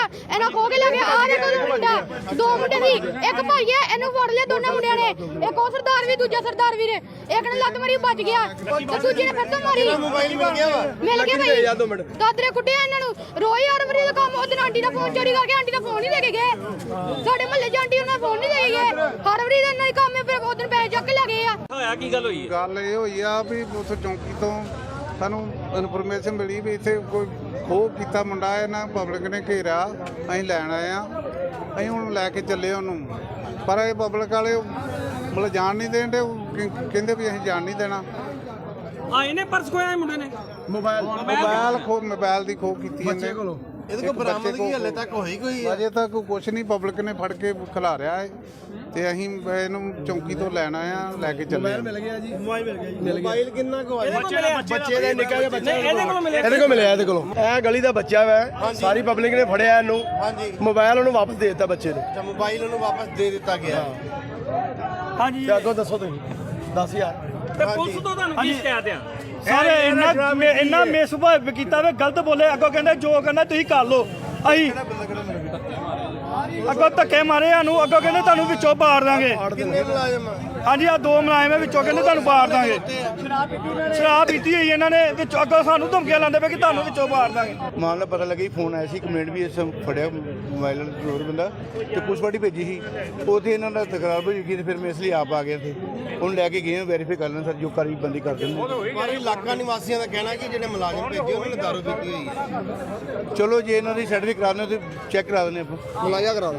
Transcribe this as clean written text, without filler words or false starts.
ਇਹਨਾਂ ਖੋ ਕੇ ਲੈ ਗਏ। ਆ ਦੇਖੋ ਮੁੰਡਾ, 2 ਮੁੰਡੇ ਸੀ, ਇੱਕ ਭਾਈ ਹੈ, ਇਹਨੂੰ ਫੜ ਲਿਆ ਦੋਨਾਂ ਮੁੰਡਿਆਂ ਨੇ। ਇੱਕ ਉਹ ਸਰਦਾਰ ਵੀ, ਦੂਜਾ ਸਰਦਾਰ ਵੀਰ, ਇੱਕ ਨੇ ਲੱਤ ਮਾਰੀ ਬਚ ਗਿਆ ਤੇ ਦੂਜੇ ਨੇ ਫਿਰ ਤੋਂ ਮਾਰੀ। ਮੋਬਾਈਲ ਮਿਲ ਗਿਆ ਵਾ, ਮਿਲ ਗਿਆ ਭਾਈ, ਦਾਦਰੇ ਕੁੱਟਿਆ ਇਹਨਾਂ ਨੂੰ। ਰੋਜ਼ ਹਰ ਵਾਰੀ ਦਾ ਕੰਮ। ਉਹਦੇ ਆਂਟੀ ਦਾ ਫੋਨ ਚੋਰੀ ਕਰਕੇ ਆਂਟੀ ਦਾ ਫੋਨ ਨਹੀਂ ਦੇ ਕੇ ਗਏ। ਸਾਡੇ ਮਹੱਲੇ 'ਚ ਆਂਟੀ ਉਹਨਾਂ ਫੋਨ ਨਹੀਂ ਦੇ ਕੇ ਗਏ। ਹਰ ਵਾਰੀ ਦਾ ਇਹਨਾਂ ਹੀ ਕੰਮ ਹੈ। ਫਿਰ ਉਦੋਂ ਪੈਸੇ ਚੱਕ ਕੇ ਲੈ ਗਏ ਆ। ਹੋਇਆ ਕੀ ਗੱਲ ਹੋਈ? ਗੱਲ ਇਹ ਹੋਈ ਆ ਵੀ ਉਸ ਚੌਂਕੀ ਤੋਂ ਸਾਨੂੰ ਇਨਫੋਰਮੇਸ਼ਨ ਮਿਲੀ ਵੀ ਇੱਥੇ ਕੋਈ ਖੋਹ ਕੀਤਾ ਮੁੰਡਾ, ਇਹਨਾਂ ਪਬਲਿਕ ਨੇ ਘੇਰਿਆ। ਅਸੀਂ ਲੈਣ ਆਏ ਆ, ਅਸੀਂ ਹੁਣ ਲੈ ਕੇ ਚੱਲੇ ਉਹਨੂੰ, ਪਰ ਇਹ ਪਬਲਿਕ ਵਾਲੇ ਮਤਲਬ ਜਾਣ ਨਹੀਂ ਦੇਣ ਦੇ। ਕਹਿੰਦੇ ਵੀ ਅਸੀਂ ਜਾਣ ਨਹੀਂ ਦੇਣਾ। ਇਹਨੇ ਪਰਸ ਖੋਇਆ ਮੁੰਡੇ ਨੇ? ਮੋਬਾਈਲ ਦੀ ਖੋਹ ਕੀਤੀ ਬੱਚੇ ਕੋਲੋਂ। ਇਹਦੇ ਕੋਲ ਬਰਾਮਦਗੀ ਹਲੇ ਤੱਕ ਹੋਈ ਕੋਈ? ਅਜੇ ਤੱਕ ਕੁਛ ਨਹੀਂ, ਪਬਲਿਕ ਨੇ ਫੜ ਕੇ ਖਿਲਾਰਿਆ ਹੈ ਤੇ ਅਸੀਂ ਇਹਨੂੰ ਚੌਂਕੀ ਤੋਂ ਲੈਣ ਆਏ ਆ, ਲੈ ਕੇ ਚੱਲੇ। ਮਿਲ ਗਿਆ ਜੀ, ਮੋਬਾਈਲ ਮਿਲ ਗਿਆ ਜੀ। ਮੋਬਾਈਲ ਕਿੰਨਾ ਕੁ ਆਇਆ? ਬੱਚੇ ਦਾ ਨਿੱਕਾ ਜਿਹਾ ਬੱਚਾ ਇਹਦੇ ਕੋਲ ਮਿਲਿਆ। ਇਹਦੇ ਕੋਲੋਂ ਇਹ ਗਲੀ ਦਾ ਬੱਚਾ ਵਾ, ਸਾਰੀ ਪਬਲਿਕ ਨੇ ਫੜਿਆ ਇਹਨੂੰ। ਹਾਂਜੀ, ਮੋਬਾਈਲ ਉਹਨੂੰ ਵਾਪਸ ਦੇ ਦਿੱਤਾ ਬੱਚੇ ਨੂੰ। ਅੱਛਾ, ਮੋਬਾਈਲ ਉਹਨੂੰ ਵਾਪਸ ਦੇ ਦਿੱਤਾ ਗਿਆ। ਹਾਂਜੀ, ਅੱਗੋਂ ਦੱਸੋ ਤੁਸੀਂ। 10000 ਤੇ ਪੁਲਿਸ ਤੋਂ ਤੁਹਾਨੂੰ ਕੀ ਸ਼ਿਕਾਇਤ ਆ? ਸਾਰੇ ਇੰਨਾ ਬੇਸੁਭਾਅ ਕੀਤਾ ਵੇ, ਗਲਤ ਬੋਲੇ। ਅੱਗੋਂ ਕਹਿੰਦੇ ਜੋ ਕਰਨਾ ਤੁਸੀਂ ਕਰ ਲਓ। ਅਸੀਂ ਅੱਗੋਂ ਧੱਕੇ ਮਾਰੇ ਸਾਨੂੰ। ਅੱਗੋਂ ਕਹਿੰਦੇ ਤੁਹਾਨੂੰ ਵਿੱਚੋਂ ਬਾੜ ਦਾਂਗੇ। ਕਿੰਨੇ ਮੁਲਾਜ਼ਮ? ਹਾਂਜੀ, ਆ 2 ਮੁਲਾਜ਼ਮ ਵਿੱਚੋਂ ਕਹਿੰਦੇ ਤੁਹਾਨੂੰ ਬਾੜ ਦਾਂਗੇ। ਸ਼ਰਾਬ ਪੀਤੀ ਹੋਈ ਇਹਨਾਂ ਨੇ। ਵਿੱਚੋਂ ਅੱਗੋਂ ਸਾਨੂੰ ਧਮਕੀਆਂ ਲਾਉਂਦੇ ਪਏ ਕਿ ਤੁਹਾਨੂੰ ਵਿੱਚੋਂ ਬਾੜ ਦਾਂਗੇ। ਮਾਮਲਾ ਪਤਾ ਲੱਗਾ ਫੋਨ ਆਇਆ ਸੀ, ਕੰਪਲੇਂਟ ਵੀ ਇਸ ਫੜਿਆ ਮੋਬਾਈਲ ਚੋਰ ਬੰਦਾ ਤੇ ਪੁਲਿਸ ਪਾਰਟੀ ਭੇਜੀ ਸੀ। ਉੱਥੇ ਇਹਨਾਂ ਦਾ ਤਕਰਾਰ ਹੋਈ ਗਈ ਤੇ ਫਿਰ ਮੈਂ ਇਸ ਲਈ ਆਪ ਆ ਗਿਆ ਸੀ। ਹੁਣ ਲੈ ਕੇ ਗਏ ਵੈਰੀਫਾਈ ਕਰ ਲੈਣ ਸਰ, ਜੋ ਕਾਰਵਾਈ ਬੰਦੀ ਕਰ ਦੇਣ। ਪਰ ਇਲਾਕਾ ਨਿਵਾਸੀਆਂ ਦਾ ਕਹਿਣਾ ਕਿ ਜਿਹੜੇ ਮੁਲਾਜ਼ਮ ਭੇਜੇ ਉਹਨਾਂ ਨੇ ਦਾਰੂ ਪੀਤੀ ਹੋਈ ਹੈ। ਚਲੋ ਜੇ ਇਹਨਾਂ ਦੀ ਸਰਟੀਫਿਕੇਟ ਕਰਾ ਦੇਣਾ ਤੇ ਚੈੱਕ ਕਰਾ ਦਿੰਦੇ ਆਪਾਂ। ਮੁਲਾਜ਼ਾ ਕਰਾ